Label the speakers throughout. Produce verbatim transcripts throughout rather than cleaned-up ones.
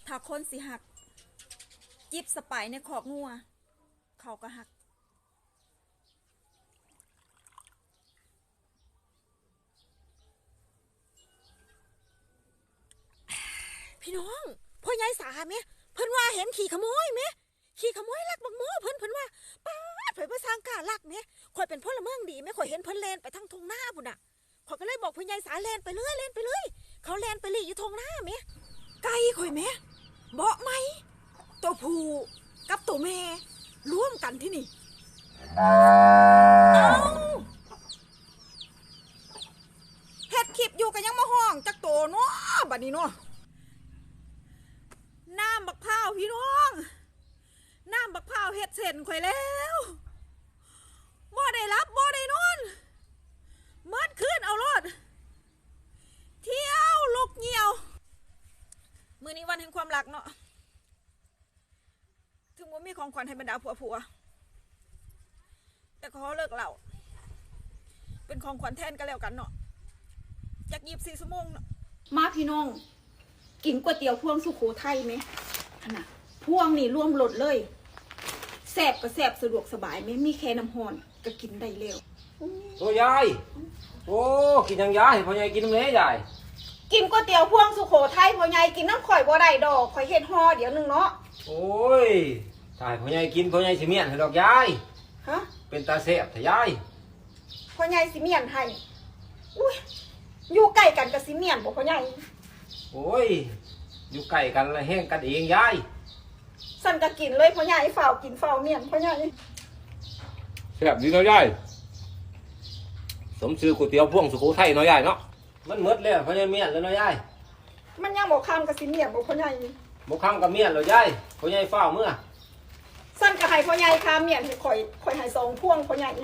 Speaker 1: ถ้าคนสิหักจิบสไปในขอกงัวเขาก็หักพี่น้องพ่อใหญ่สาไหมเพิ่นว่าเห็นขี่ขโมยไหมขี่ขโมยลักบักโม่เพิ่นเพิ่นว่าป้าดเพิ่นมาสร้างกาลักไหมข่อยเป็นพลเมืองดีไหมข่อยเห็นเพิ่นแลนไปทางทงหน้าพุ่นน่ะข่อยก็เลยบอกพ่อใหญ่สาแลนไปเลยแลนไปเลยเขาแลนไปเลยอยู่ทงหน้าไหมไก่ข่อยไหมเบาะไหมตัวผู้กับตัวแม่ร่วมกันที่นี่เอาเฮ็ดคลิปอยู่กันยังมาห้องจักโตเนาะบัดนี้เนาะน้ำบักพร้าวพี่น้องน้ำบักพร้าวเฮ็ดเสร็จข่อยแล้วบ่ได้รับบ่ได้นอนเมื่อคืนเอารถเที่ยวลูกเหี่ยวมื้อนี้วันแห่งความรักเนาะถึงว่ามีของขวัญให้บรรดาผัวผัวแต่ขอเลิกเหล่าเป็นของขวัญแทนกันแล้วกันเนาะอยากยีบสี่ชั่วโมงเนาะมาพี่น้องกินก๋วยเตี๋ยวพวงสุโขทัยไหมขนาดพวงนี่ร่วมรสเลยแซ่บก็แซ่บสะดวกสบายไหมมีแค่น้ำหอนก็กินได้เร็ว
Speaker 2: โอ้ยายโอ้กินยังยายพ่อยายกินน้ำเละยาย
Speaker 1: กินก๋วยเตี๋ยวพวงสุโขทัยพ่อใหญ่กินน้ำข่อยบ่ได้ดอกข่อยเฮ็ดห่อเดี๋ยวนึงเนาะ
Speaker 2: โอ้ยตายพ่อยายกินพ่อยายสิเมียนให้ดอกยาย
Speaker 1: ฮะ
Speaker 2: เป็นตาแซ่บแต่ยาย
Speaker 1: พ่อใหญ่สิเมียนให้อุ้ยอยู่ใกล้กันกับสิเมียนบ่พ่อใหญ่
Speaker 2: โอ้ยอยู่ใกล้กันแล้วแห้งกันเองยาย
Speaker 1: สั่นก็กินเลยพ่อใหญ่ฝ่าวกินฝ่าวเมียนพ่อใหญ่
Speaker 2: แซ่บดีเนาะยายสมชื่อก๋วยเตี๋ยวพวงสุโขทัยเนาะยายเนาะมันหมดแล้วพ่อยายเมียนแล้วเนาะยาย
Speaker 1: มันยังบ่คำกับสิเมียนบ่พ่อใหญ่
Speaker 2: บ่คำกับเมียนแล้วยายพ่อยายฝ้าวเมื่อ
Speaker 1: สั่นก็ให้พ่อใหญ่คาเมียนให้ข่อยข่อยให้สองพวงพ่อใหญ่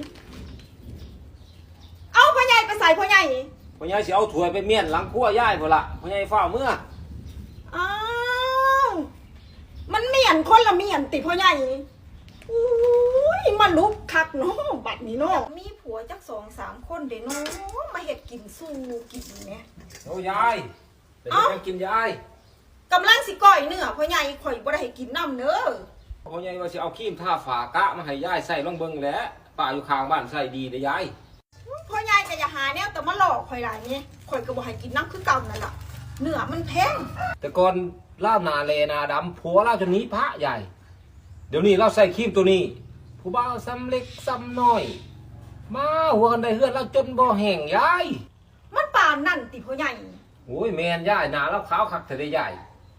Speaker 1: เอาพ่อใหญ่ไปใส่พ่อใหญ่
Speaker 2: พ่อยายสิเอาถ้วยไปเมียนหลังครัวยายพุ่นล่ะพ่อยายฝ้าวเมื่อ
Speaker 1: อ้าวมันเมียนคนละเมียนติพ่อใหญ่อุ้ยมันลุกคักเนาะบัดนี้เนาะมีผัวจักสองสามคนเด้เนาะมาเฮ็ดกินสู้กินเนี่ย
Speaker 2: โอ้ยายเป็นยังกินยาย
Speaker 1: กำลังสิก้อยเนื้อพ่อใหญ่ข่อยบ่ได้ให้กินน้ำเด้อ
Speaker 2: พ่อใหญ่ว่าสิเอาครีมทาฝากะมาให้ยายใส่ลองเบิ่งแหละป้าอยู่ข้างบ้านใส่ดีเด้อยาย
Speaker 1: พ่อใหญ่ก็อย่าหาแนวแต่มาหลอกข่อยหลายนี่ข่อยก็บ่ให้กินน้ำคือเก่านั่นล่ะเนื้อมันแพง
Speaker 2: แต่ก่อนล่านาเลนาดำผัวเล่าจนนี้พระใหญ่เดี๋ยวนี้เราใส่ครีมตัวนี้ผู้บ่าวซ้ำเล็กซ้ำน้อยมาหัวกันได้เฮือนเราจนบ่แห้งยาย
Speaker 1: มันป่านนั่นติพ่อใหญ่
Speaker 2: โอ้ยแมนยายหนาเราขาวคักแต่ได้ยาย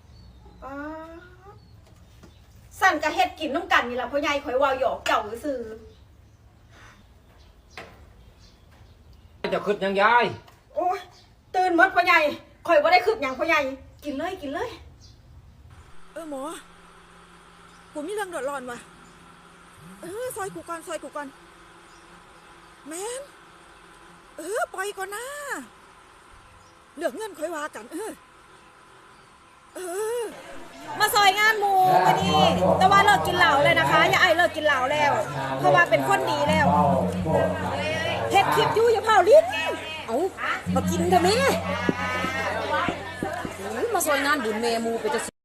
Speaker 1: สั่นกะเฮ็ดกินน้ำกันนี่ล่ะพ่อใหญ่ข่อยว่าหยอกเจ้าซื่อ
Speaker 2: จะขึ้นยังยาย
Speaker 1: โอ้ยตื่นหมดพ่อใหญ่ข่อยบ่ได้ขึ้นหยังพ่อใหญ่กินเลยกินเลยเออหมอกูมีเรื่องเดือดร้อนว่ะเออซอยกูก่อนซอยกูก่อนแม่นเออปล่อยก่อนนะเหลือเงินค่อยว่ากันเออเออมาซอยงานหมูวันนี้แต่ว่าเลิกกินเหล้าเลยนะคะอย่าไอเลิกกินเหล้าแล้วเพราะว่าเป็นคนดีแล้วเฮ็ดคลิปอยู่อย่าเผาลิ้นเอามากินเถอะแม่
Speaker 3: มาซอยงานบุญเมมูไปจะ